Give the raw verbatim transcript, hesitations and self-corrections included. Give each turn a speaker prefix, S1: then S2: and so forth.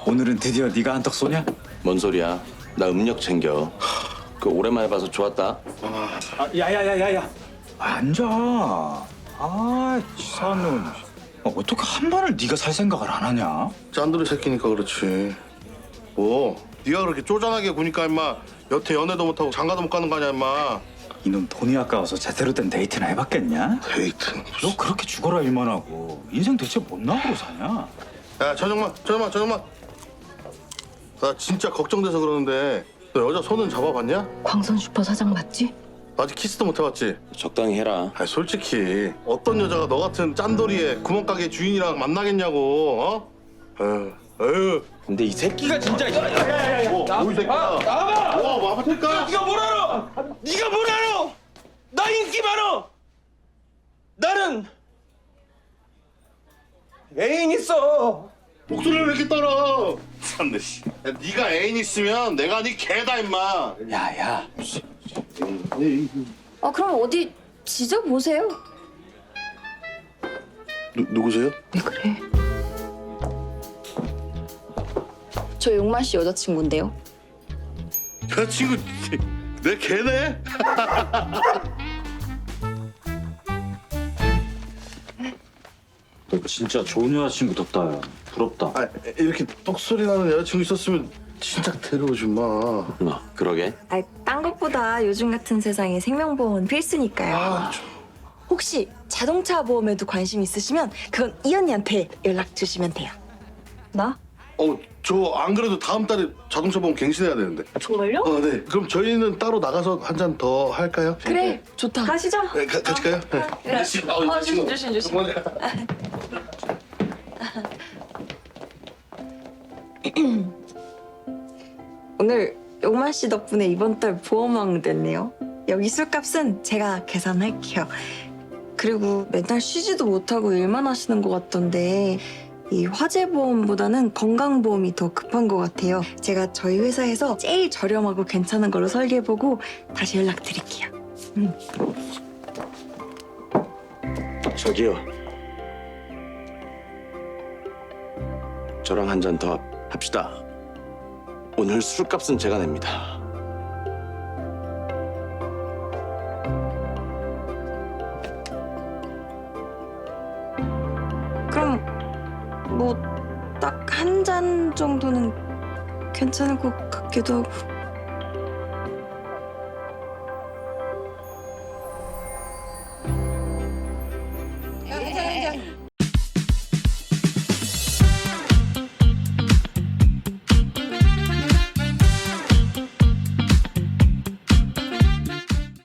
S1: 오늘은 드디어 네가 한턱 쏘냐?
S2: 뭔 소리야? 나 음력 챙겨. 그 오랜만에 봐서 좋았다.
S1: 아, 야야야야야, 앉아. 아, 치사한 놈. 어, 어떻게 한 번을 네가 살 생각을 안 하냐?
S3: 짠돌이 새끼니까 그렇지. 뭐 네가 그렇게 쪼잔하게 구니까 임마 여태 연애도 못하고 장가도 못 가는 거 아니야 임마.
S1: 이놈 돈이 아까워서 제대로 된 데이트나 해봤겠냐?
S3: 데이트.
S1: 너 그렇게 죽어라 일만 하고 인생 대체 뭔 낙으로 사냐?
S3: 야 저녁만 저녁만 저녁만. 나 진짜 걱정돼서 그러는데 너 여자 손은 잡아봤냐?
S4: 광선 슈퍼 사장 맞지?
S3: 아직 키스도 못 해봤지?
S2: 적당히 해라.
S3: 아니 솔직히 어떤 여자가 너 같은 짠돌이의 구멍가게 주인이랑 만나겠냐고. 어? 에휴 에휴.
S2: 근데 이 새끼가 진짜.
S3: 뭐, 뭐, 이 새끼야.
S2: 나와봐!
S3: 뭐, 뭐, 아플까?
S2: 네가 뭘 알아? 네가 뭘 알아? 나 인기 많아. 나는 애인 있어.
S3: 목소리를 왜 이렇게 따라? 참네 씨. 야, 네가 애인 있으면 내가 네 개다 임마.
S1: 야야,
S4: 아 그럼 어디 지져보세요.
S3: 누, 누구세요?
S4: 왜 그래? 저 용만 씨 여자친구인데요.
S3: 여자친구 내 개네?
S1: 너 진짜 좋은 여자친구 뒀다. 야. 부럽다.
S3: 아, 이렇게 똑소리 나는 여자친구 있었으면 진짜 데려오지 마.
S2: 어, 그러게.
S5: 아, 딴 것보다 요즘 같은 세상에 생명보험은 필수니까요. 혹시 자동차 보험에도 관심 있으시면 그건 이 언니한테 연락 주시면 돼요. 나?
S3: 어, 저 안 그래도 다음 달에 자동차 보험 갱신해야 되는데.
S5: 정말요?
S3: 어, 네. 그럼 저희는 따로 나가서 한 잔 더 할까요?
S5: 그래, 좋다. 가시죠.
S3: 네, 가, 같이 가요? 네.
S5: 네.
S3: 아,
S5: 어,
S3: 친구.
S5: 조심, 조심, 조심. 오늘 용만 씨 덕분에 이번 달 보험왕 됐네요. 여기 술값은 제가 계산할게요. 그리고 맨날 쉬지도 못하고 일만 하시는 것 같던데 이 화재보험보다는 건강보험이 더 급한 것 같아요. 제가 저희 회사에서 제일 저렴하고 괜찮은 걸로 설계해보고 다시 연락드릴게요.
S2: 저기요. 저랑 한 잔 더 합시다. 오늘 술값은 제가 냅니다.
S5: 그럼 뭐 딱 한 잔 정도는 괜찮을 것 같기도 하고.